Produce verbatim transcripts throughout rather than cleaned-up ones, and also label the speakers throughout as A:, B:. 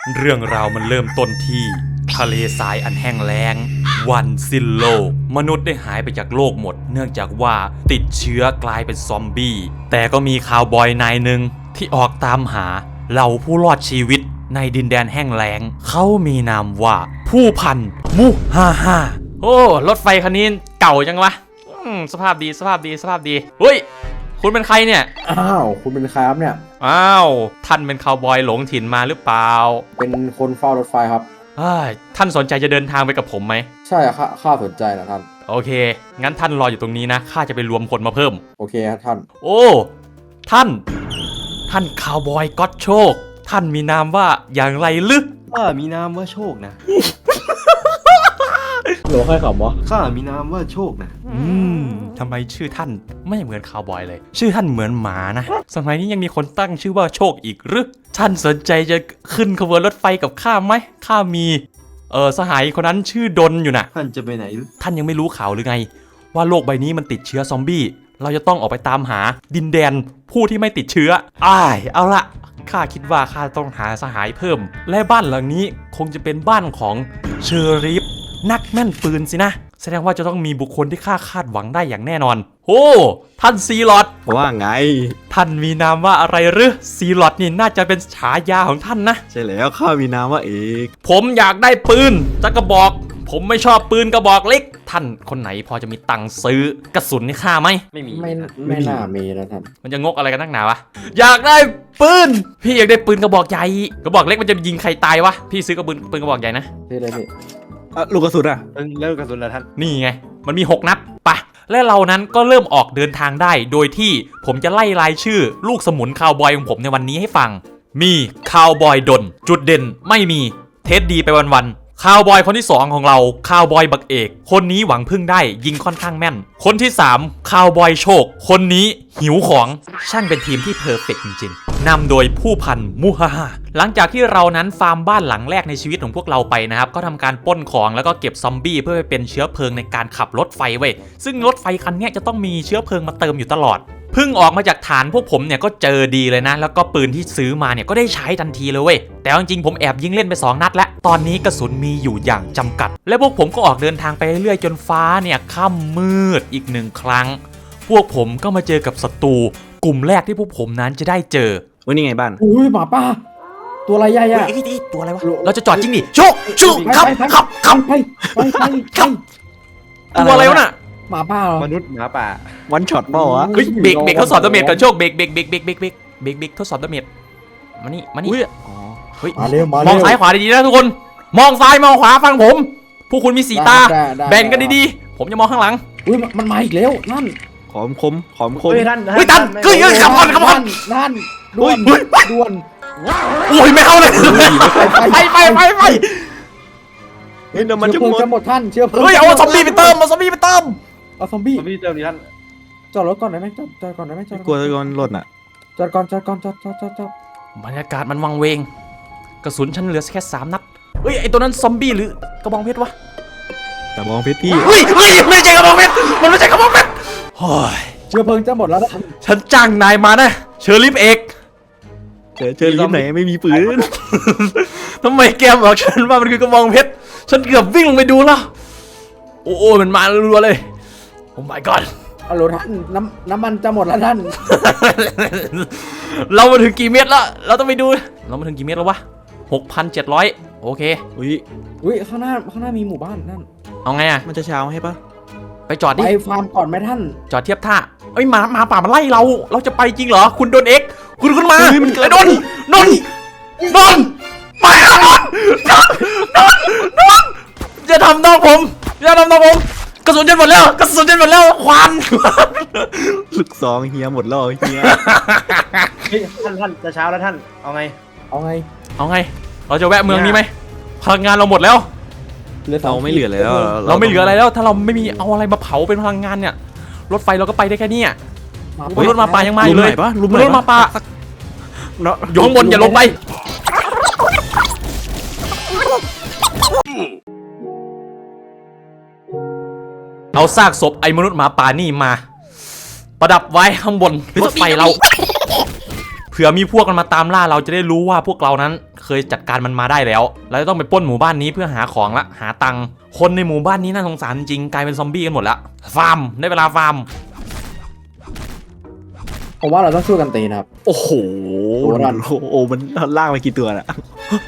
A: เรื่องราวมันเริ่มต้นที่ทะเลทรายอันแห้งแล้งวันสิ้นโลกมนุษย์ได้หายไปจากโลกหมดเนื่องจากว่าติดเชื้อกลายเป็นซอมบี้แต่ก็มีคาวบอยนายหนึ่งที่ออกตามหาเหล่าผู้รอดชีวิตในดินแดนแห้งแล้งเขามีนามว่าผู้พันมุฮาฮาโอ้รถไฟคันนี้เก่าจังวะสภาพดีสภาพดีสภาพดีเฮ้ยคุณเป็นใครเนี่ย
B: อ้าวคุณเป็นใครครับเนี่ย
A: อ้าวท่านเป็นคาวบอยหลงถิ่นมาหรือเปล่า
B: เป็นคนเฝ้ารถไฟครับ
A: ท่านสนใจจะเดินทางไปกับผมไหม
B: ใช่ข้าข้าสนใจนะท่าน
A: โอเคงั้นท่านรออยู่ตรงนี้นะข้าจะไปรวมคนมาเพิ่ม
B: โอเคครับท่าน
A: โอ้ท่านท่านคาวบอยก็อตโชคท่านมีนามว่าอย่างไรลึก
C: ข้ามีนามว่าโชคนะ
B: หลวงใครขำวะ
C: ข้ามีนามว่าโชคนะ
A: อืมทำไมชื่อท่านไม่เหมือนคาวบอยเลยชื่อท่านเหมือนหมานะสมัยนี้ยังมีคนตั้งชื่อว่าโชคอีกหรือท่านสนใจจะขึ้นขบวนรถไฟกับข้าไหมข้ามีเออสหายคนนั้นชื่อดนอยู่นะ
C: ท่านจะไปไหน
A: ท่านยังไม่รู้ข่าวหรือไงว่าโลกใบนี้มันติดเชื้อซอมบี้เราจะต้องออกไปตามหาดินแดนผู้ที่ไม่ติดเชื้ออ้ายเอาละข้าคิดว่าข้าต้องหาสหายเพิ่มและบ้านหลังนี้คงจะเป็นบ้านของเชอริฟนักแม่นปืนสินะแสดงว่าจะต้องมีบุคคลที่ข้าคาดหวังได้อย่างแน่นอนโอ้ท่านซีลอด
C: ว่าไง
A: ท่านมีนามว่าอะไรหรือซีลอดนี่น่าจะเป็นฉายาของท่านนะ
C: ใช่แล้วข้ามีนามว่าเอก
A: ผมอยากได้ปืนจักกระบอกผมไม่ชอบปืนกระบอกเล็กท่านคนไหนพอจะมีตังค์ซื้อกระสุนให้ข้าไหม
B: ไม่มีไม่ไม่น่ามีนะท่าน
A: มันจะงกอะไรกันนักหนาวะอยากได้ปืนพี่อยากได้ปืนกระบอกใหญ่กระบอกเล็กมันจะยิงใครตายวะพี่ซื้อกระปืนปืนกระบอกใหญ่นะ
B: พี่ได้พี่
C: ลูกกระสุนอะแล้วลูกกระสุนละท่าน
A: นี่ไงมันมีหกนัดปะและเรานั้นก็เริ่มออกเดินทางได้โดยที่ผมจะไล่รายชื่อลูกสมุนคาวบอยของผมในวันนี้ให้ฟังมีคาวบอยดนจุดเด่นไม่มีเทสดีไปวันๆคาวบอยคนที่สองของเราคาวบอยบักเอกคนนี้หวังพึ่งได้ยิงค่อนข้างแม่นคนที่สามคาวบอยโชคคนนี้หิวของช่างเป็นทีมที่เพอร์เฟกต์จริงๆนำโดยผู้พันมูฮาฮาหลังจากที่เรานั้นฟาร์มบ้านหลังแรกในชีวิตของพวกเราไปนะครับก็ทำการปล้นของแล้วก็เก็บซอมบี้เพื่อไปเป็นเชื้อเพลิงในการขับรถไฟเว้ยซึ่งรถไฟคันนี้จะต้องมีเชื้อเพลิงมาเติมอยู่ตลอดเพิ่งออกมาจากฐานพวกผมเนี่ยก็เจอดีเลยนะแล้วก็ปืนที่ซื้อมาเนี่ยก็ได้ใช้ทันทีเลยเว้ยแต่จริงๆผมแอบยิงเล่นไปสองนัดแล้วตอนนี้กระสุนมีอยู่อย่างจำกัดและพวกผมก็ออกเดินทางไปเรื่อยจนฟ้าเนี่ยค่ำมืดอีกหนึ่งครั้งพวกผมก็มาเจอกับศัตรูกลุ่มแรกที่พวกผมนั้นจะได้เจอ
C: ว่านี่ไงบ้าน
B: อุ้ยหมาป่าตัวอะไรใหญ่อะ
A: ตัวอะไรวะเราจะจอดจริงดิโชคโชคขับขับขับไปไปไปขับตัวอะไรวะน่ะ
B: หมาป่าม
C: นุษย์หมาป่าวันช็อตเปล่าวะ
A: เฮ้ยเบรกเบรกทดสอบดาเมจก่อนโชคเบรกเบรกเบรกเบรกเบรกเบรกเบรกเบรกทดสอบดาเมจมานี่มานี่อ๋อเฮ้ย
B: มาเร็วมาเร็ว
A: มองซ้ายขวาดีๆนะทุกคนมองซ้ายมองขวาฟังผมผู้คุณมีสีตาแบ่งกันดีๆผมจะมองข้างหลัง
B: อุ้ยมันมาอีกแล้วนั่น
C: ขอมคมขอมคม
A: เฮ้ยท่านเฮ้ยท่านเฮ้ยขับก่อนขับก่อน
B: นั่นด่วนด่วน
A: โอ้ยไม่เข้าเลยไปไปไปไป
C: เฮ้ยเดี๋ยวมันจะหมด
B: จะหมดท่านเชื่อ
A: เฮ้ยเอาซอมบี้ไปเติมเอาซอมบี้ไปเติม
B: เอาซอมบี้
C: ซอมบี้เติมดิท่าน
B: จอดรถก่อนได้ไหมจอดจอดก่อนได้ไหมจอด
C: กลัวจะโดนรถอ่ะ
B: จอดก่อนจอดก่อนจอดจอดจอดจอด
A: บรรยากาศมันวังเวงกระสุนฉันเหลือแค่สามนัดเฮ้ยไอตัวนั้นซอมบี้หรือกระบองเพชรวะ
C: กระบองเพชรพี่
A: เฮ้ยเฮ้ยไม่ใช่กระบองเพชรมันไม่ใช่กระบองเพชรโอ้ย
B: เชื้อเพลิงจะหมดแล้วนะ
A: ฉันจ้างนายมานะเชอริฟเอก
C: เจอเจอริฟไหนไม่มีปืน
A: ทำไมแกบอกฉันว่ามันคือกระบองเพชรฉันเกือบวิ่งลงไปดูแล้วโอ้โหมันมารัวๆเลยโอ้ my god
B: ฮัลโหลท่านน้ำน้ำมันจะหมดแล้วท่าน
A: เรามาถึงกี่เมตรแล้วเราต้องไปดูเรามาถึงกี่เมตรแล้ววะ หกพันเจ็ดร้อย โอเค
C: อุ้ย
B: อุ้ยข้างหน้าข้างหน้ามีหมู่บ้านนั่น
A: เอาไงอ่ะ
C: มันจะเช้าให้ปะ
A: ไปจอดดิ
B: ไปฟาร์มก่อนไหมท่าน
A: จอดเทียบท่าเอ้ยหมาหมาป่ามันไล่เราเราจะไปจริงเหรอคุณโดนเอ็กคุณขึ้นมาไอ้โดนโดนโดนไปแล้วโดนโดนโดนโดนจะทำน้องผมจะทำน้องผมกระสุนจะหมดแล้วกระสุนจะหมดแล้วควัน
C: ลูกซองเฮียหมดแล้วเฮีย
D: ท่านท่านจะเช้าแล้วท่านเอาไง
B: เอาไง
A: เอาไงเราจะแวะเมืองนี้ไหมพลังงานเราหมดแล้ว
C: เราไม่เหลือแล้ว
A: เราไม่เหลืออะไรแล้วถ้าเราไม่มีเอาอะไรมาเผาเป็นพลังงานเนี่ยรถไฟเราก็ไปได้แค่นี้รถมาป่ายังมาอยู่เลยรถมาป่ายงบนอย่าลงไปเอาซากศพไอ้มนุษย์หมาป่านี่มาประดับไว้ข้างบนรถไฟเราเผื่อมีพวกมันมาตามล่าเราจะได้รู้ว่าพวกเรานั้นเคยจัดการมันมาได้แล้วเราจะต้องไปปล้นหมู่บ้านนี้เพื่อหาของละหาตังค์คนในหมู่บ้านนี้น่าสงสารจริงกลายเป็นซอมบี้กันหมดละฟาร์มได้เวลาฟาร์ม
B: ผมว่าเราต้องช่วยกันตีนะครับ
A: โอ้โห
C: โอ้โหโอ้มันล่างไปกี่ตัวน่ะ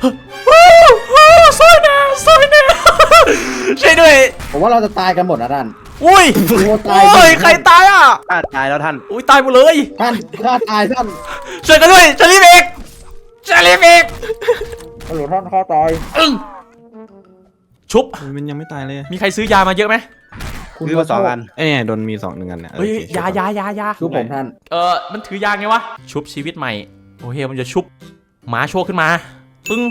A: ซอยแน่ซอยแน่ช่วยด้วย
B: ผมว่าเราจะตายกันหมดนะท่าน
A: อุ้ย
B: โอ้ตาย
A: โอ้ยใครตายอ่ะ
D: อ่ะตายแล้วท่าน
A: อุ้ยตายหมดเลย
B: ท่านฆ่าตายท่าน
A: ช่วยกันด้วยจะรีบเอกจะรีบเอก
B: ฮัลโหลท่านฆ่าตาย
A: อึ้งชุบ
C: มันยังไม่ตายเลย
A: มีใครซื้อยามาเยอะไหม
D: ซื้อมาสองอัน
C: ไอ้เนี่ยโดนมีสองหนึ่งอันเนี่ย
A: เฮ้ยยายายายา
B: ดูผมท่าน
A: เออมันถือยาไงวะชุบชีวิตใหม่โอเคมันจะชุบหมาโชว์ขึ้นมาปึ้ง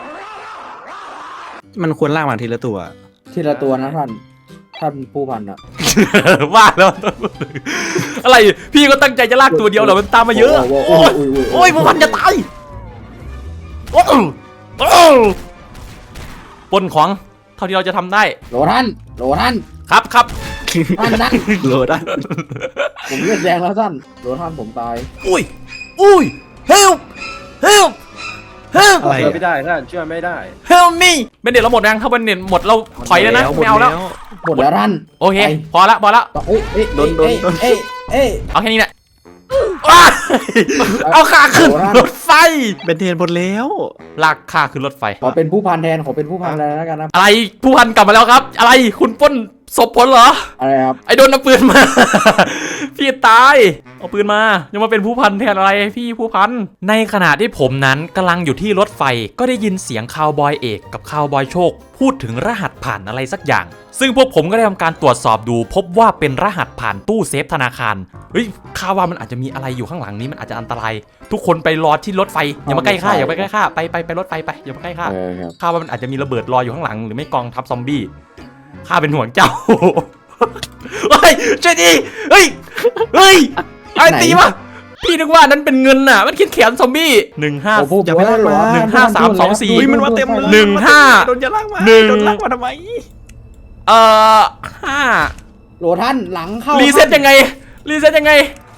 C: มันควรล่างมาทีละตัว
B: ทีละตัวนะท่าน ท่านผู้พันอะ
A: ว่าแล้วอะไรพี่ก็ตั้งใจจะลากตัวเดียวเหรอมันตามมาเยอะ
B: โอ้
A: โอ้
B: โห
A: ย
B: โอ้โห
A: โอ้ยพวกมันจะตายโอ้โหโอ้โหปนของเท่าที่เราจะทำได้
B: โหลท่านโหลท่าน
A: ครับครับ
B: ท่านนะ
C: โหลดได้
B: ผมเลือดแดงแล้วท่านโหลท่านผมตาย
A: อุ้ยอุ้ย help help help
C: อะไร
D: ช่วย
C: อะ
D: ไม่ได้ท่านช่วยไม่ได้
A: help me เป็นเน็ตเราหมดยังถ้าเป็นเน็ตหมดเราถอยแล้วนะไม่เอาแล้ว
B: หมดแล้วท่าน
A: โอเค
B: ไป
A: พอละพอละ
B: เอ้ยเอ้ย
C: โดนโดนโดน
B: เอ้ยเอ้ย
A: เอาแค่นี้แหละว้ายเอาขาขึ้น
B: โอ้โห
A: รถไฟ
C: เป็นเทรนหมดแล้ว
A: ลากขาขึ้นรถไฟ
B: ขอเป็นผู้พันแทนขอเป็นผู้พันแล้วกันนะ
A: อะไรผู้พันกลับมาแล้วครับ อะไรคุณปล้นศพผลเหรอ
B: อะไรครับ
A: ไอ้โดนเอาปืนมา พี่ตายเอาปืนมายังมาเป็นผู้พันแทนอะไรพี่ผู้พันในขณะที่ผมนั้นกำลังอยู่ที่รถไฟก็ได้ยินเสียงคาวบอยเอกกับคาวบอยโชค พูดถึงรหัสผ่านอะไรสักอย่าง ซึ่งพวกผมก็ได้ทำการตรวจสอบดู พบว่าเป็นรหัสผ่านตู้เซฟธนาคารเฮ้ยข้าว่ามันอาจจะมีอะไรอยู่ข้างหลังนี้มันอาจจะอันตราย ทุกคนไปรอที่รถไฟอย่ามาใกล้ข้าอย่าไปใกล้ข้าไปไปไปรถไฟไปอย่ามาใกล้ข้า
B: เออครับ
A: ข้าว่ามันอาจจะมีระเบิดรออยู่ข้างหลังหรือไม่กองทัพซอมบี้ข้าเป็นห่วงเจ้า เฮ้ยช่วยดีเฮ้ยเฮ้ยไอ้ตีมาพี่นึกว่านั้นเป็นเงินน่ะมันคิดแขนซอมบี้หนึ่งห้า
B: โอ้พูด
C: อย่าไปลากมา
A: หนึ่งห้าสามสองสี่
C: อุ้ยมันมาเต็มเลย
A: หนึ่งห้า
C: โดนจะลากมา
A: หนึ่ง
C: โดนลากมาทำไม
A: เอ่อห้า
B: โหลท่านหลังเข้า
A: รีเซ็ตยังไงรีเซ็ตยังไง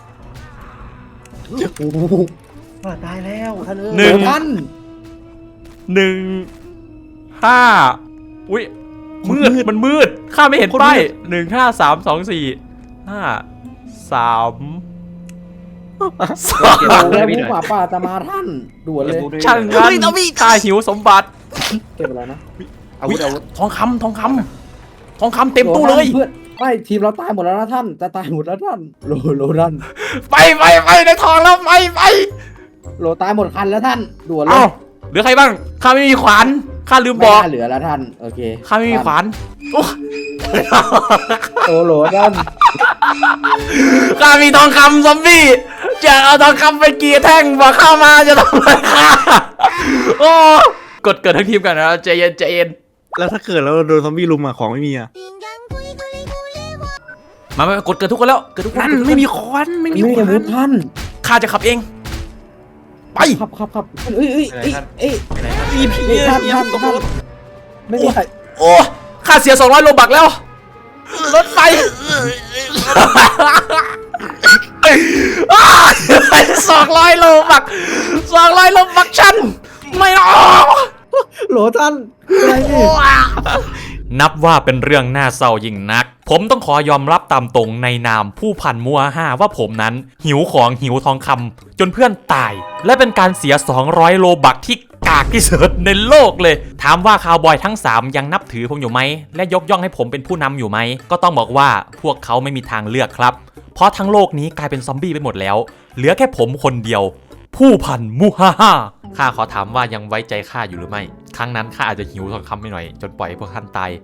B: โอ้โห
D: อ่ะตายแล้วท่านเอ้ย
A: หนึ่ง
B: โหลท่าน
A: หนึ่งห้าอุ้ยมืดมันมืดข้าไม่เห็นป้ายหนึ่งห้าสามสองสี่ห้าสามสอง
D: เก็บ
B: โอ้
D: อาวุธ
B: แล้ว
D: ให้พี่ห
B: ผู้
D: น่อย
B: หมาป่าจะมาท่านด่วนเลย
D: เก็บอาวุธให้พี่หน่อย
A: ช่างงั้นข้าหิวสมบัติ
B: เก็บอะไรนะ
D: อาวุธอาวุธ
A: ทองคำทองคำทองคำเต็มตู้เลย
B: โหท่านเพื่อนไม่ทีมเราตายหมดแล้วนะท่านจะตายหมดแล้วท่านโหลโหลท่าน
A: ไปไปไปในทองแล้วไปไป
B: โหลตายหมดคันแล้วท่านด่วนเล
A: เอ้าย เหลือใครบ้างข้าไม่มีขวานข้าลืม
B: ไม่
A: บอก
B: น่าเหลือแล้วท่านโอเค
A: ข้าไม่มีขวานโอ้
B: โอ้โหลท่าน
A: ข้ามีทองคำซอมบี้จะเอาทองคำไปกี่แท่งบอกข้ามาจะทำอะไรข้าโอ้กดเกิดทั้งทีมกันนะใจเย็นใจเย็น
C: แล้วถ้าเกิดเราโดนซอมบี้ลุมอะของไม่มีอะ
A: มามากดเกิดทุกคนแล้วเกิดทุกคน
C: นั่นไม่มีควันไม่มี
B: นี่
C: ค
B: อาวุ
C: วั
B: ธ
C: น
B: ท่าน
A: ข้าจะขับเองไป
B: ขับขับขับเอ้ยเอ้ยเอ้ยเอ้ย
D: ไปไหนท่าน
C: มีผี
B: เอ้ยท่าน
C: มี
B: ท่าน
C: ตก
B: ท่าน
C: รถ
B: ไม่ได้
A: โอ้ข้าเสียสองร้อยโลบักแล้วรถไฟสองร้อยโลบักสองร้อยโลบักฉันไม่เอา
B: โหลท่านอะไรนี่
A: นับว่าเป็นเรื่องน่าเศร้ายิ่งนัก ผมต้องขอยอมรับตามตรงในนามผู้พันมัวห้าว่าผมนั้นหิวของหิวทองคำจนเพื่อนตาย และเป็นการเสียสองร้อยโลบักที่กากที่สุดในโลกเลย ถามว่าคาวบอยทั้งสามยังนับถือผมอยู่ไหมและยกย่องให้ผมเป็นผู้นำอยู่ไหมก็ต้องบอกว่าพวกเขาไม่มีทางเลือกครับเพราะทั้งโลกนี้กลายเป็นซอมบี้ไปหมดแล้วเหลือแค่ผมคนเดียว ผู้พันมูฮ่าฮ่าข้าขอถามว่ายังไว้ใจข้าอยู่หรือไม่ ครั้งนั้นข้าอาจจะหิวทองคำไปหน่อยจนปล่อยให้พวกท่านตาย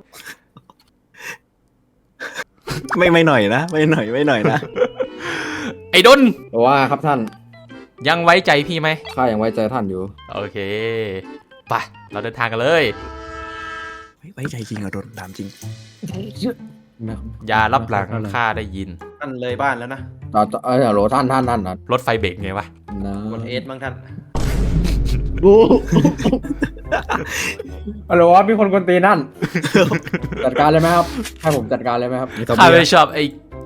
C: ไม่ไม่หน่อยนะไม่หน่อยไม่หน่อยนะ
A: ไอ้ดน
B: ว่าครับท่าน
A: ยังไว้ใจพี่ไหม
B: ข้ายังไว้ใจท่านอยู่
A: โอเคไปเราเดินทางกันเลย
C: ไว้ใจจริงเหรอโดนถามจริง
A: อย่ารับหลังข้าได้ยิน
D: ท่านเลยบ้านแล้วนะ
B: ต่อต่อเออโหลท่านท่านท่านนะ
A: รถไฟเบรกไงวะ
B: นะ
D: กดเอสบ้างท่าน
B: ฮัลโหลครับมีคนกวนตีนนั่น จัดการเลยไหมครับให้ผมจัดการเลยไหมครับ
A: ข้าไม่ชอบไอ้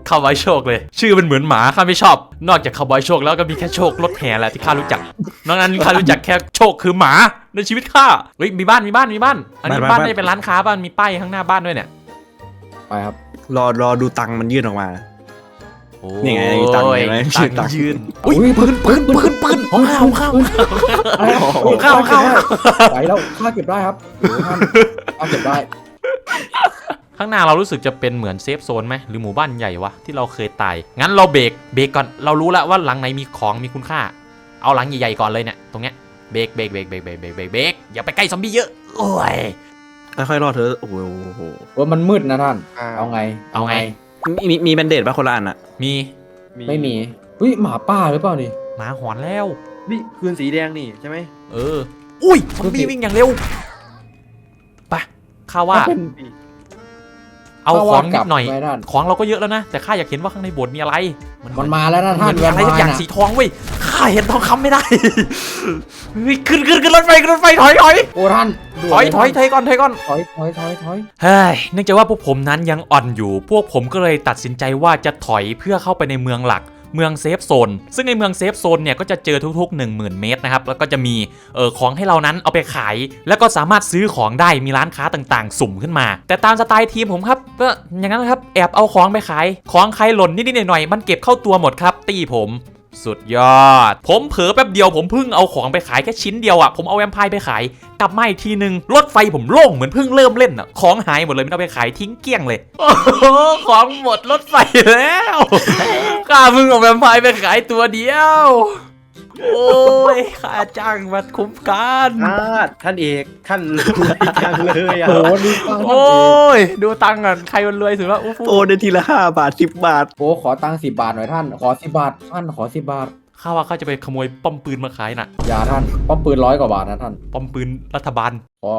A: คาวบอยโชคเลยชื่อมันเหมือนหมาข้าไม่ชอบนอกจากคาวบอยโชคแล้วก็มีแค่โชครถแห่แหละที่ข้ารู้จักนอกนั้นข้ารู้จักแค่โชคคือหมาในชีวิตข้าเฮ้ยมีบ้านมีบ้านมีบ้านอันนี้บ้านไม่ได้เป็นร้านค้าบ้านมีป้ายข้างหน้าบ้านด้วยเนี่ย
B: ไปครับ
C: รอรอดูตังค์มันยื่นออกมา
A: โอ้
C: นี่ไงมีตังค์เห็นไหม
A: ตัง
C: ตังค์
A: ค์ยืนอุ้ยปืนปืนปืนปืนของข้าวข้าว
B: อะไรครับ
A: โอ้เข้าเข้า
B: ไปแล้วข้าเก็บได้ครับโอ้ท่านข้าเก็บได้
A: ข้างหน้าเรารู้สึกจะเป็นเหมือนเซฟโซนไหมหรือหมู่บ้านใหญ่วะที่เราเคยตายงั้นเราเบรกเบรกก่อนเรารู้แล้วว่าหลังไหนมีของมีคุณค่าเอาหลังใหญ่ๆก่อนเลยเนี่ยตรงเนี้ยเบรกเบรกเบรกเบรกเบรกเบรกเบรกเบรกอย่าไปใกล้ซอมบี้เยอะโอ้ย
C: ค่อยๆรอดเธอโอ้โห
B: ว่ามันมืดนะท่าน
D: อ่า
B: เอาไง
A: เอาไง
C: มีมีมีแบนเดดป่ะคนละอันอ่ะ
A: มี
B: ไม่มีเฮ้ยหมาป่าหรือเปล่านี่
A: หมาหอนแล้ว
D: นี่คืนสีแดงนี่ใช่ไหม
A: เอออุ้ยซอมบี้วิ่งอย่างเร็วไปข้าว่า
B: เป็น
A: เอาของนิดหน่อย
B: ข้าว่ากลับไว้ท่าน
A: ของเราก็เยอะแล้วนะแต่ข้าอยากเห็นว่าข้างในโบสถ์มีอะไร
B: มันมาแล้วนะ
A: มั
B: ท่าน
A: นมีอะไรสักอย่าง
B: แวมไพร์
A: สีทองเว้ยข้าเห็นทองคำไม่ได้ เฮ้ยขึ้นขึ้นขึ้นรถไฟขึ้นรถไฟถอยถอย
B: โอ้ท่านด่วน
A: ถอย
B: เล
A: ถอยถอยก่อนถอยก่อน
B: ถอยถอยถอยถอย
A: เฮ้ยเนื่องจากว่าพวกผมนั้นยังอ่อนอยู่ พวกผมก็เลยตัดสินใจว่าจะถอยเพื่อเข้าไปในเมืองหลัก เมืองเซฟโซน ซึ่งในเมืองเซฟโซนเนี่ยก็จะเจอทุกๆ หนึ่งหมื่น เมตรนะครับ แล้วก็จะมีเออของให้เรานั้นเอาไปขาย แล้วก็สามารถซื้อของได้ มีร้านค้าต่างๆ สุ่มขึ้นมา แต่ตามสไตล์ทีมผมครับ ก็อย่างนั้นนะครับ แอบเอาของไปขาย ของใครหล่นนิดๆหน่อยๆ มันเก็บเข้าตัวหมดครับ ตีผม สุดยอด ผมเผลอแป๊บเดียวผมเพิ่งเอาของไปขายแค่ชิ้นเดียวอ่ะ ผมเอาแวมไพร์ไปขาย กลับมาอีกทีนึงรถไฟผมโล่งเหมือนเพิ่งเริ่มเล่นอ่ะ ของหายหมดเลยไม่ต้องไปขายทิ้งเกลี้ยงเลย โอ้โหของหมดรถไฟแล้ว ข้าเพิ่งเอาแวมไพร์ไปขายตัวเดียว โอ้ยข้าจ้างมาคุ้มกัน
D: อ่าท่านเอกท่านรวยจังเลยอ่ะ
B: โอ้ดีฟังท่าน
A: โอ้
B: เอก
A: ยดูตังค์กันใครมันรวยสุดวะอู้ฟู
C: โอ้ได้ทีละห้าบาทสิบบาท
B: โอ้ขอตังค์สิบบาทหน่อยท่าน ขอสิบบาทท่านขอสิบบาท
A: ข้าว่าข้าจะไปขโมยป้อมปืนมาขายน่ะ
B: อย่าท่านป้อมปืนร้อยกว่าบาทนะท่าน
A: ป้อมปืนรัฐบาล
B: ขอ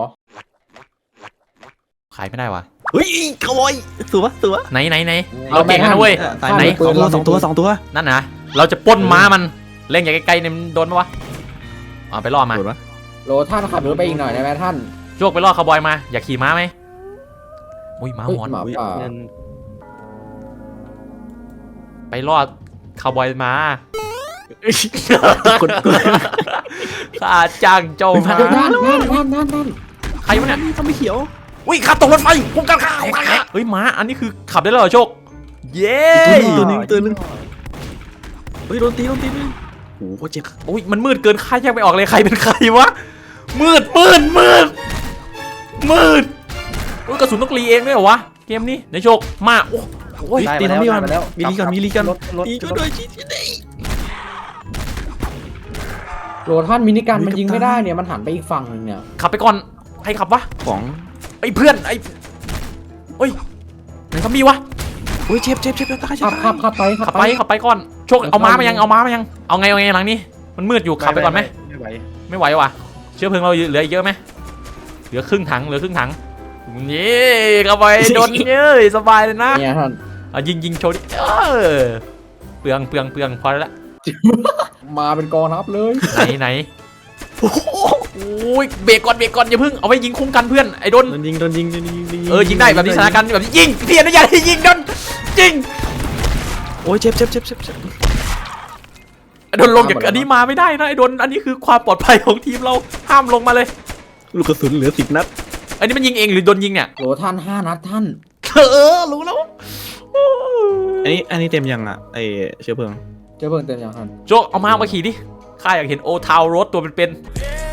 A: ขายไม่ได้วะ
C: เฮ้ยขโมยตัวตัว
A: ไหนไหนไหนเราเก่งกันนะเว้ย
C: ตายไหนสองตัวสองตัวสองตัว
A: นั่นนะเราจะปล้นม้ามันเล่นอย่างไกลๆเนี่ยมันโดนปะวะเอาไปล่อมา
C: โดนปะ
B: โลท่านขับรถไปอีกหน่อยได้ไหมท่าน
A: โจกไปล่อคาวบอยมาอยากขี่ม้าไหมอุ้ยม้า
B: เฮ้ย
A: หอน
B: หมาป่า
D: เงิน
A: ไปล่อคาวบอยมา
C: คน
A: ข้าจ้างเจ้ามา
B: ท่านท่านท่านท่านท่านท่าน
A: ใครวะเนี่ย
C: ทำไม่เขียว
A: อุ้ยข้าตกรถไฟพุ่งกันข้าเฮ้ยม้าอันนี้คือขับได้แล้วเหรอโชคเย้
C: ตัวนึงตัวนึงเฮ้ยโดนตีโดนตีนึงโอ้โหเจ็บ
A: อุ้ยมันมืดเกินข้าแยกไม่ออกเลยใครเป็นใครวะมืดมืดมืดมืดอุ้ยกระสุนต้องรีเองด้วยเหรอวะเกมนี้ในโชคมาโอ้โอ้ย
D: ได้
C: ตี
D: มา
C: ทำ
D: แล้ว
C: ไม่ก่อน
D: ได้มาแล้ว
C: มีลีก่อนมีลีก่อน
D: รถรถ
C: ตี
D: ร
C: ช่วย
D: ถ
C: ด้วยชี้ชี้
B: โลท่านมินิกันมันยิงไม่ได้เนี่ยมันหันไปอีกฝั่งหนึงเนี่ย
A: ขับไปก่อนใครขับวะ
C: ของ
A: ไอ้เพื่อนไอ้เฮ้ยไหนซอมบี้วะ
C: โอ้ยเจ็บเจ็บเจ็บตาย
B: ขับขับขับไป
A: ขับไปขับไปก่อนโชคเอาม้ามายังเอาม้ามายังเอาไงเอาไงหลังนี้มันมืดอยู่ขับไปก่อนไหม
D: ไม่ไหว
A: ไม่ไหวว่ะเชื้อเพลิงเราเหลืออีกเยอะไหมเหลือครึ่งถังเหลือครึ่งถังนี่เข้าไปโดนเย้ยสบายเลยนะ
B: เนี่ยท่าน
A: เอายิงยิงโชว์ดิเออเปลืองเปลืองเปลืองพอแล้วละ
B: มาเป็นกองทัพเลย
A: ไหนไหนโอ้ยเบรกก่อนเบรกก่อนอย่าเพิ่งเอาไว้ยิงคุ้มกันเพื่อนไอ้โดน
C: โดนยิงโดนยิงโดนยิง
A: เออยิงได้แบบนี้สถานการณ์แบบนี้ยิงเพียนนะอย่าให้ยิงโดนยิง
C: โอ้ยเจ็บเจ็บเจ็บเจ็บเจ็บ
A: ไอ้โดนลงจากอันนี้มาไม่ได้นะไอ้โดนอันนี้คือความปลอดภัยของทีมเราห้ามลงมาเลย
C: ลูกกระสุนเหลือสิบนัด
A: อันนี้มันยิงเองหรือโดนยิงเนี่ย
B: โลท่านห้านัดท่าน
A: เออรู้แล้ว
C: อันนี้อันนี้เต็มยังอ่ะไอเชื้อเพลิง
B: เจ้าเบิ่งเต็มยังท่าน
A: โจเอามามาขี่ดิข้าอยากเห็นโอทาวรถตัวเป็นๆ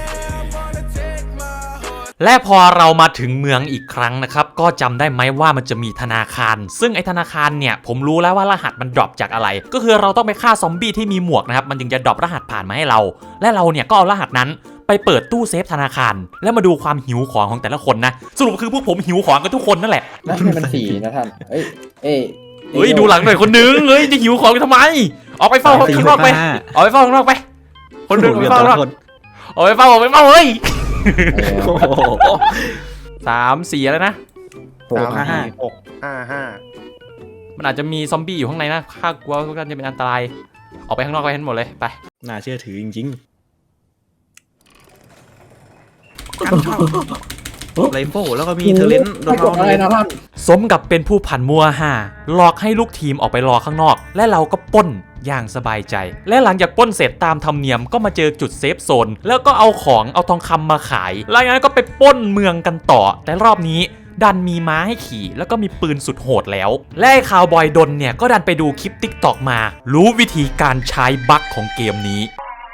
A: และพอเรามาถึงเมืองอีกครั้งนะครับก็จำได้ไหมว่ามันจะมีธนาคาร ซึ่งไอธนาคารเนี่ยผมรู้แล้วว่ารหัสมันดรอปจากอะไร ก็คือเราต้องไปฆ่าซอมบี้ที่มีหมวกนะครับมันจึงจะดรอปรหัสผ่านมาให้เรา และเราเนี่ยก็เอารหัสนั้นไปเปิดตู้เซฟธนาคาร แล้วมาดูความหิวของของแต่ละคนนะสรุปคือพวกผมหิวของกันทุกคนนั่นแหละ
B: นั่นให้มันสีนะท่านเอ้ยเอ้ย
A: เฮ้ยดูหลังหน่อยคนนึงเฮ้ยจะหิวของกันทำไมออกไปเฝ้าข้างนอกไปออกไปเฝ้าข้างนอกไปคนนึงออกไปเฝ้าข้างนอกออกไปเฝ้าออกไปเฝ้าเฮ้ย
B: เออ
C: โอ้โห
A: สามสี่แล้วนะ
B: หก
C: ห้าห้า
D: หกห้าห้า
A: มันอาจจะมีซอมบี้อยู่ข้างในนะข้ากลัวว่าจะเป็นอันตรายออกไปข้างนอกไปให้หมดเลยไป
C: น่าเชื่อถือจริงไรโฟแล้วก็มีเทอร์เลนโด
B: ไม่
C: น
B: กดอะไรนะท่าน
A: สมกับเป็นผู้ผันมัวห่าหลอกให้ลูกทีมออกไปรอข้างนอก และเราก็ปล้นอย่างสบายใจ และหลังจากปล้นเสร็จตามธรรมเนียมก็มาเจอจุดเซฟโซนแล้วก็เอาของเอาทองคำมาขายแล้วงั้นก็ไปปล้นเมืองกันต่อ แต่รอบนี้ดันมีม้าให้ขี่แล้วก็มีปืนสุดโหดแล้วและไอ้คาวบอยดนเนี่ยก็ดันไปดูคลิปติ๊กตอกมา รู้วิธีการใช้บั๊กของเกมนี้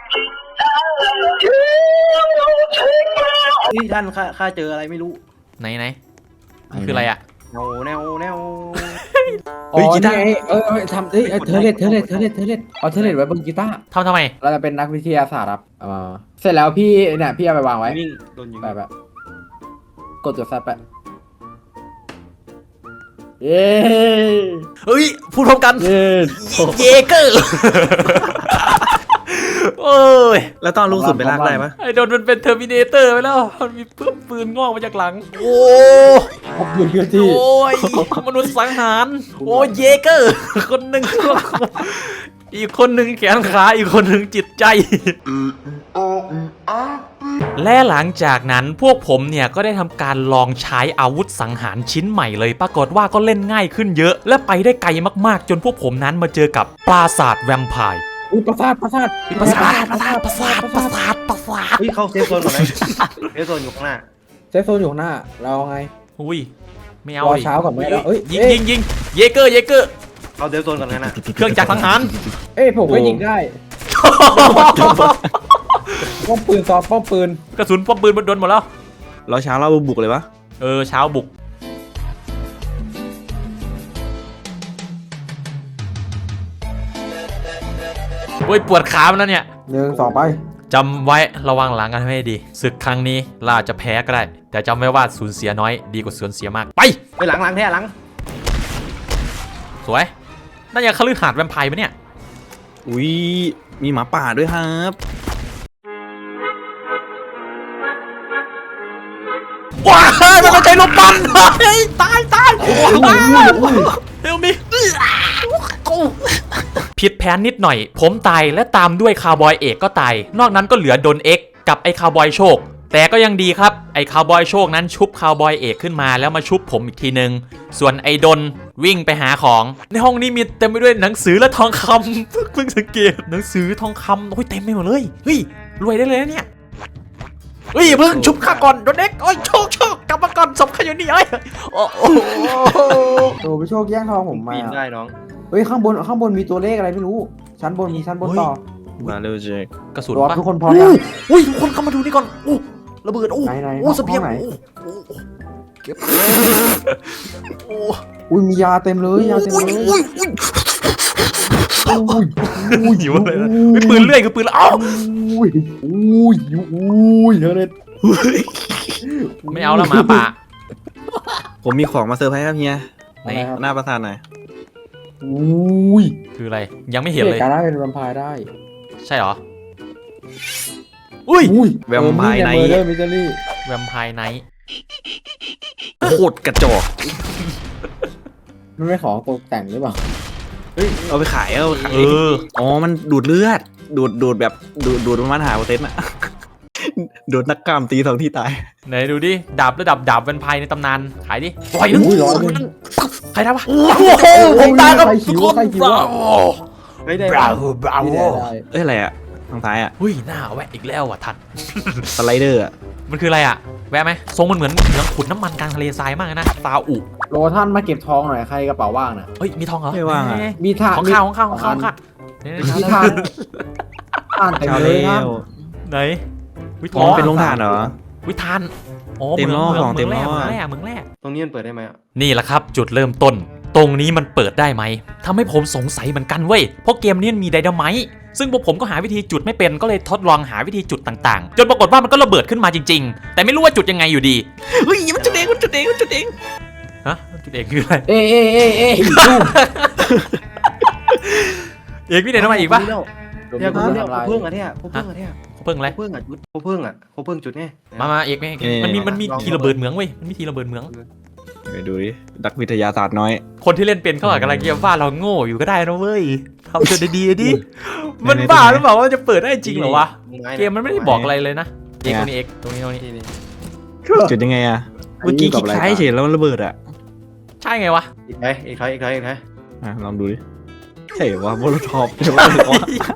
D: นี่ท่านข้าข้าเจออะไรไม่รู้
A: ไหนไหนคืออะไรอะ
D: แนวแนวแนว
B: อ๋อนี่ไงเออเออทำเอ้ยเออเทเลตเทเลตเทเลตเทเลตเอาเทเลตไว้บนกีตาร์
A: ทำทำไม
B: เราจะเป็นนักวิทยาศาสตร์ครับเออเสร็จแล้วพี่เนี่ยพี่เอาไปวางไว้
D: วิ่งโดนยิง
B: แบบแบบกดตัวแซปไปเย้
A: เฮ้ยพูดพร้อมกัน
B: เย้
A: เยเกอร์ โอ้ย
C: แล้วตอนลูกสุดไปลากได้ปะ
A: ไอ้โดนมันเป็นเทอร์มินเตอร์ไปแล้ว มันมีปืนปืนงอกมาจากหลัง โอ้
B: ขอบคุณพี่ที่
A: โอ้ย มนุษย์สังหาร โอ้ยเยเกอร์ คนหนึ่งอีกคนหนึ่งแขนขา อีกคนหนึ่งจิตใจ และหลังจากนั้นพวกผมเนี่ยก็ได้ทำการลองใช้อาวุธสังหารชิ้นใหม่เลย ปรากฏว่าก็เล่นง่ายขึ้นเยอะ และไปได้ไกลมากๆ จนพวกผมนั้นมาเจอกับปราสาทแวมไพร์
B: อุ้ยประสาทประสาท
A: ปราสาทปราสาทปราสาทปราสาทปราสาท
D: เฮ้ยเข้าเซฟโซนก่อนไหมเซฟโซนอยู่ข้างหน้า
B: เซฟโซนอยู่ข้างหน้าเราไง
A: อุ้ยไม่เอา
B: รอ
A: ดิ
B: เช้าก่อนไหมเอ้ย
A: ยิง
B: เอ้ย
A: ยิงยิงเยเกอร์เยเกอร์
D: เข้าเซฟโซนก่อนงั้นนะ
A: เครื่องจักรสังหาร
B: เอ้ยผมก็ยิงได้ป้อมปืนซอฟป้อมปืน
A: กระสุนป้อมปืนมันโดนหมดแล้ว
C: เราเช้าเราบุกเลยวะ
A: เออเช้าบุกโอ้ยปวดขามันแล้วเนี่ย
B: หนึ่งสองไป
A: จำไว้ระวังหลังกันให้ดีศึกครั้งนี้เราอาจจะแพ้ก็ได้ แต่จำไว้ว่าสูญเสียน้อยดีกว่าสูญเสียมากไป
D: ไปหลังหลังแท้หลัง
A: สวยน่าจะคฤหาสน์แวมไพร์ปะเนี่ย
C: อุ้ยมีหมาป่าด้วยครับ
A: ว้ายมันไม่ใช่ลูกปั้นเฮ้ยตายตายเฮลมิผิดแผนนิดหน่อย ผมตายและตามด้วยคาวบอยเอกก็ตาย นอกนั้นก็เหลือโดนเอ็กกับไอ้คาวบอยโชค แต่ก็ยังดีครับไอ้คาวบอยโชคนั้นชุบคาวบอยเอกขึ้นมาแล้วมาชุบผมอีกทีนึง ส่วนไอ้ดนวิ่งไปหาของ ในห้องนี้มีเต็มไปด้วยหนังสือและทองคำ เพิ่งสังเกตหนังสือทองคำโอ้ยเต็มไปหมดเลยเฮ้ยรวยได้เลยนะเนี่ยเฮ้ยเพิ่งชุบข้าก่อนโดนเอ็กโอ้ยโชคโชคกลับมาก่อนศพข้าอยู่นี่เอ้ยโอ้โห
B: โอ้พี่โชคแย่งทองผมมา
D: ปีนได้น้อง
B: เฮ้ยข้างบนข้างบนมีตัวเลขอะไรไม่รู้ชั้นบนมีชั้นบนต่อ
C: มาเร็วเจค
A: กระสุน
B: รอ
A: ปะ
B: ทุกคนพร้อมยัง
A: อุ้ยทุกคนเข้ามาดูนี่ก่อนโอ้ระเบิดโอ้
B: ไหนไหน
A: โอ้เสเปียง
B: ห้องไหน
A: โอ้โอ้เก็บโอ้
B: อุ้ยมียาเต็มเลยยาเต็ม
A: อุ้ย
B: เลย
A: อุ้ยอุ้ย
B: อุ้ยอุ้ย
A: หิวอะไรนะไม่ปืนเลื่อยคือปืนแล้วอ้าว
B: อุ้ยอุ้ยอุ้ยเธอเลย
A: ไม่เอาแล้วหมาป่า
C: ผมมีของมาเซอร์ไพรส์ครับเฮีย
A: ไหน
C: หน้าประสาทหน่อย
B: อุ้ย
A: คืออะไรยังไม่เห็นเลย
B: การได้เป็นแวมไพร์ได้
A: ใช่เหรออุ้ย
B: อุ้ย
C: แวมไพร์ไน
B: เมอ
C: ท์
B: ร์เดอร์มิสเตอรี่
A: แวมไพร์ไนท์
C: โคตรกระจอก
B: มันไม่ของตกแต่งหรือเปล่า
C: เฮ้ยเอาไปขายเอาไปขาย
A: เออ
C: อ๋อมันดูดเลือด ดูดดูดแบบดูดดูดประมาณหาเปอร์เซ็นต์อะ โดนนักกล้ามตีสองที่ตาย
A: ไหนดูดิดาบระดับดาบแวมไพร์ในตำนานขายดิปล่อยนึง
B: อุ้ยร้อยหนึ่ง
A: ใครทำวะโอ้โหผมตายครับทุกคน
B: ใครคิว
A: บรา
B: อะ
A: โว
D: เฮ้ยได้
A: บราโวบราโว
B: ไม่ได้ได้
C: เอ้ยอะไรอะทางซ้ายอะ
A: อุ้ยหน้าแวะอีกแล้วอ่ะท่าน
C: สไลเดอร์อะ
A: มันคืออะไรอ่ะแวะไหมทรงมันเหมือนเหมือนขุดน้ำมันกลางทะเลทรายมากเลยนะซาอุ
B: โลท่านมาเก็บทองหน่อยใครกระเป๋าว่างน่ะ
A: เฮ้ยมีทองเหรอ
C: ไม่ว่างอะ
A: เอ้ย
B: มีทาน
A: ของข้าวของข้าวของข้าวของข้าวเนี่ย
B: มีทานทานเต็ม
C: เช้า
B: เล
C: แล้
B: ยท่าน
C: ว
A: ไหนวิ
C: อ๋อเป็นโรงทานเหรอ
A: วิทานอ๋อ
C: เต็มล้อ
A: มื
C: ของเต็มล้อ
A: เมืองแรกเมืองแรก
D: ตรงนี้มันเปิดได้ไหมอ่ะ
A: นี่แหละครับจุดเริ่มต้น ตรงนี้มันเปิดได้ไหมทำให้ผมสงสัยเหมือนกันเว้ยเพราะเกมนี้มันมีไดนาไมต์ซึ่งพวกผมก็หาวิธีจุดไม่เป็นก็เลยทดลองหาวิธีจุดต่างๆ จนปรากฏว่ามันก็ระเบิดขึ้นมาจริงๆ แต่ไม่รู้ว่าจุดยังไงอยู่ดีเฮ้ยมันจุดเองมันจุดเองมันจุดเองฮะมันจุดเองคืออะไร
B: เอ้ยเอ้ยเอ้ยเอ้ย
A: เอกพี่เด่นทำไมอีกปะ
D: เนี่ยกูเนี่ยกูเพิ่งอ่ะเนี่ยกูเพิ่งอ่ะเนี่ย
A: เขาเพิ่งอะไร
D: กูเพิ่งอ่ะจุดกูเพิ่งอ่ะกูเพิ่งจุดไง
A: มามาเอกไหมเอกมันมีมันมีทีระเบิดเหมืองเว้ยมันมีทีระเบิดเหมือง
C: ไปดูดินักวิทยาศาสตร์น้อย
A: คนที่เล่นเป็นเขาอาจกำลังคิดว่าเราโง่อยู่ก็ได้นะเว้ยทำตัวดีๆดิ มันบ้าหรือเปล่าว่าจะเปิดได้จริงเหรอวะ เกมมันไม่ได้บอกอะไรเลยนะ เอกตรงนี้เอกตรงนี้ตรงนี้
D: นี่นี่
C: จุดยังไงอะเมื่อกี้คลิกซ้ายเฉยแล้วมันระเบิดอ่ะ
A: ใช่ไงวะ
D: อีกไหมอีกไหมอีกไหมอีกไหม
C: อ่ะลองดูดิใช่ว่าโมโลทอปใช่ว่าหรือว่า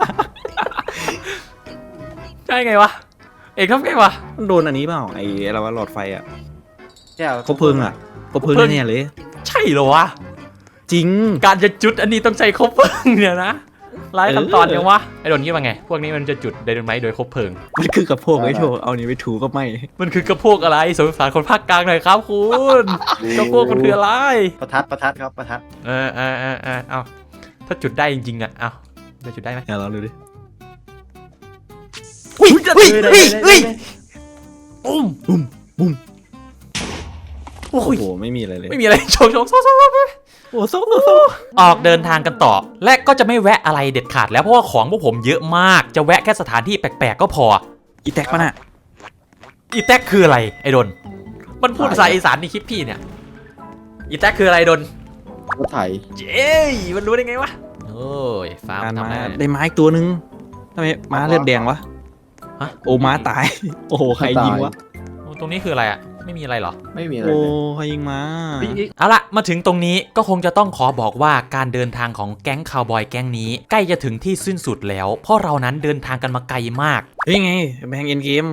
A: ใช่ไงวะเอกทำไงวะ
C: มันโดนอันนี้เปล่าไอ้อะไรวะหลอดไฟอ่ะ
D: เนี่ย
C: คบเพลิงอ่ะคบเพลิงแน่ๆเลย
A: ใช่เหรอวะ
C: จริง
A: การจะจุดอันนี้ต้องใช้คบเพลิงเนี่ยนะหลายขั้นตอนยังวะไอ้โดนคิดว่าไงพวกนี้มันจะจุดไดนาไมต์โดยคบเพลิง
C: มันคือกับพวกไอ้โชว์เอานี้ไปถูก็ไม่
A: มันคือกระโพกอะไรสงสารคนภาคกลางหน่อยครับคุณกระโพกมันคืออะไร
D: ประทัดประทัดครับประทัด
A: เออเออเออเออเอาถ้าจุดได้จริงๆอ่ะเอาจะจุดได้ไหม
C: เดี๋ยวลองดูดิ
A: เฮ้ยเฮ้ย
D: ได้
A: เฮ้ย
D: ได้
A: เฮ้ย
D: ได้
A: ปุ้ม
C: บุ้มบุ้ม
A: โอ้
C: โอ้
A: ย
C: โหไม่มีอะไรเลย
A: ไม่มีอะไรโชว์โชว์โซ่โซ่โซ่
C: โอ้โซ่โซ่โซ่
A: ออกเดินทางกันต่อ และก็จะไม่แวะอะไรเด็ดขาดแล้วเพราะว่าของพวกผมเยอะมากจะแวะแค่สถานที่แปลกๆก็พอ
C: อีแท็กปะน่ะ
A: อีแท็กคืออะไรไอ้ดนมันพูดภาษาอีสานในคลิปพี่เนี่ยอีแท็กคืออะไรดน
B: รถไถ
A: เจ้ยมันรู้ได้ไงวะโอ้ยฟาร์ม
C: การ
A: ทำ
C: มา
A: ได้
C: ได้ไม้ตัวนึงทำไมม้าเลือดแดงวะ
A: ฮะ
C: โอ้ม้าตาย โอ้โหใครยิงวะ
A: โอ้ตรงนี้คืออะไรอ่ะไม่มีอะไรเหรอ
B: ไม่มีอะไร
C: โอ้
B: เลย
C: ใครยิงม้า
A: เอาละมาถึงตรงนี้ก็คงจะต้องขอบอกว่าการเดินทางของแก๊งคาวบอยแก๊งนี้ใกล้จะถึงที่สิ้นสุดแล้ว เพราะเรานั้นเดินทางกันมาไกลมาก
C: เฮ้ยไงแบงเอ็นเกม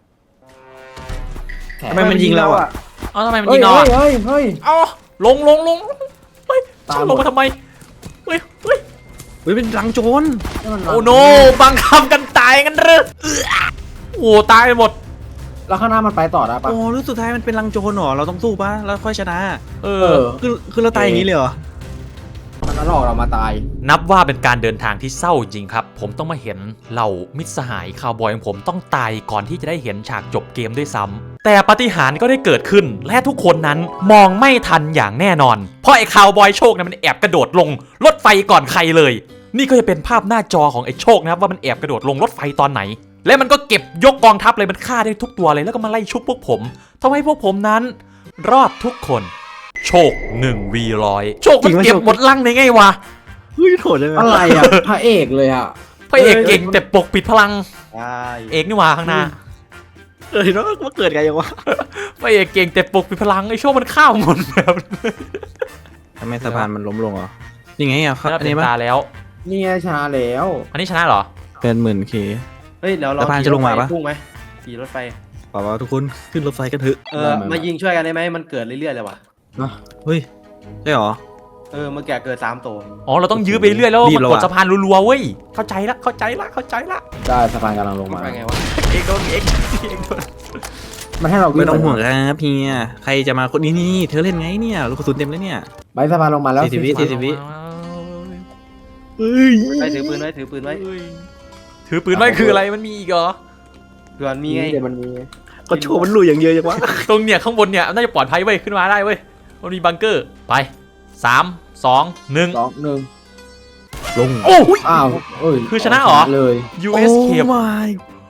C: ทำไมมันยิงเราอ่ะ
A: เอ้าทำไมมัน
B: เฮ้
A: ยิ
B: ย
A: งเรา
B: เฮ้ย
A: อ่ะ
B: เฮ้ยเฮ้ย
A: เอ้าลงลงลงเฮ้ย
B: ตาม
A: ช่างลงมาทำไมเฮ้ยเฮ้ย
C: เฮ้ยเป็นรังโจร
A: โอ้โนบังคับกันตายกันเลยเอื้อโอ้ตายไปหมด
B: แล้วข้างหน้ามันไปต่อได้ปะ
C: โอ้รู้สุดท้ายมันเป็นรังโจรเหรอเราต้องสู้ปะแล้วค่อยชนะ
A: เอ
B: เอ
A: อ
B: อ
C: คือคือเราตายอย่างนี้เลยเหรอ
B: มันหลอกเรามาตาย
A: นับว่าเป็นการเดินทางที่เศร้าจริงครับ ผมต้องมาเห็นเหล่ามิตรสหายคาวบอยของผมต้องตายก่อนที่จะได้เห็นฉากจบเกมด้วยซ้ำแต่ปาฏิหาริย์ก็ได้เกิดขึ้น และทุกคนนั้นมองไม่ทันอย่างแน่นอน เพราะไอ้คาวบอยโชคเนี่ยมันแอบกระโดดลงรถไฟก่อนใครเลย นี่ก็จะเป็นภาพหน้าจอของไอ้โชคนะครับว่ามันแอบกระโดดลงรถไฟตอนไหน และมันก็เก็บยกกองทัพเลยมันฆ่าได้ทุกตัวเลยแล้วก็มาไล่ชุบพวกผมทำให้พวกผมนั้น รอดทุกคน โชคหนึ่งวีร้อยโชคมันเก็บหมดลังในไงวะ
C: เฮ้ยโถดเลย
B: อะไรอ่ะ พระเอกเลยอ่ะ
A: พระเอกเก่งแต่ปกปิดพลัง
D: ใช่
A: เอกนี่หว่าข้างหน้า
C: เออเนาะว่าเกิดกันยังวะ
A: พระเอกเก่งแต่ปกปิดพลังไอ้โชคมันข้าวหมดแบบ
C: ทำไมสะพานมันล้มลงเหรอนี่ไงอ่ะ
A: น่า
C: อัน
A: เป็น
C: นี้ปะ
A: ตาแล้ว
B: นี่ไงชนะแล้ว
A: อันนี้ชนะเหรอ
C: เป็นหมื่นเค
D: เฮ้ยเดี๋ยวเรา
C: สะพานจะลงมาปะ
D: พุ่งไหมขี่รถไฟ
C: ป่าวทุกคนขึ้นรถไฟกันเถอะ
D: เออมายิงช่วยกันได้ไหมมันเกิดเรื่อยๆเลยว่ะ
C: เฮ้ยใช่เหรอ
D: เออเมื่อกี้เกิดสามตัว
A: อ๋อเราต้องยื้อไปเรื่อยแล้ว
C: รีบ
A: มัน
C: แล้ว
A: กด
C: อะ
A: สะพานรัวๆเว้ยเข้าใจละเข้าใจละเข้าใจละ
B: ได้สะพานกำลังลง
D: มัน
B: มา
D: ไปไงวะ
A: เอกโดนเอกเอกโดน
B: มันให้เรา
C: ไม่ต้องห่วงครับเฮียใครจะมาคนนี้นี่เธอเล่นไงเนี่ยลูกกระสุนเต็มเลยเนี่ย
B: ใบสะพานลงมาแล้ว
C: สี่สิบวิสี่สิบวิ เฮ้ย
D: ไปถือปืนไว้ถือปืนไว้
A: ถือปืนไว้คืออะไรมันมีอีกเหรอ
D: เผื่อมี
B: มี
D: ไง
B: เดี๋ยวมันมี
C: ก็โชว์มันลุยอย่างเยอะจังวะ
A: ตรงเนี่ยข้างบนเนี่ยน่าจะปลอดภัยเว้ยขึ้นมาได้เว้ยมันมีบังเกอร์ไปสามสองหนึ่ง
B: สองหนึ่ง
C: ลง
A: โอ้ย
B: อ้าวเอ้ย
A: คือชนะเหรอ
B: เลย
A: ยู เอส เค
C: my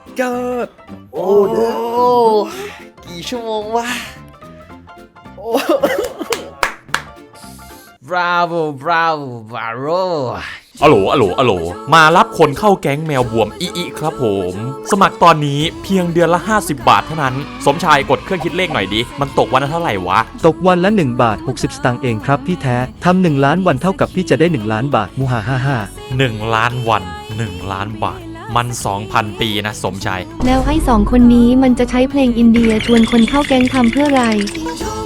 C: god
B: โอ้
A: กี่ชั่วโมงวะ bravo bravo bravo อะโหลอะโหลอะโหลมารับคนเข้าแก๊งแมวบวมอีอีครับผม สมัครตอนนี้เพียงเดือนละห้าสิบบาทเท่านั้น สมชายกดเครื่องคิดเลขหน่อยดิ มันตกวันละเท่าไหร่วะ
E: ตกวันละหนึ่งบาทหกสิบสตางค์เองครับพี่แท้ทำหนึ่งล้านวันเท่ากับพี่จะได้หนึ่งล้านบาทมูฮ่าฮ่าฮ่า
A: หนึ่งล้านวันหนึ่งล้านบาท มัน สองพัน ปีนะสมชาย
F: แล้วไอ้สองคนนี้มันจะใช้เพลงอินเดียชวนคนเข้าแก๊งทำเพื่ออะไร
G: Enjoy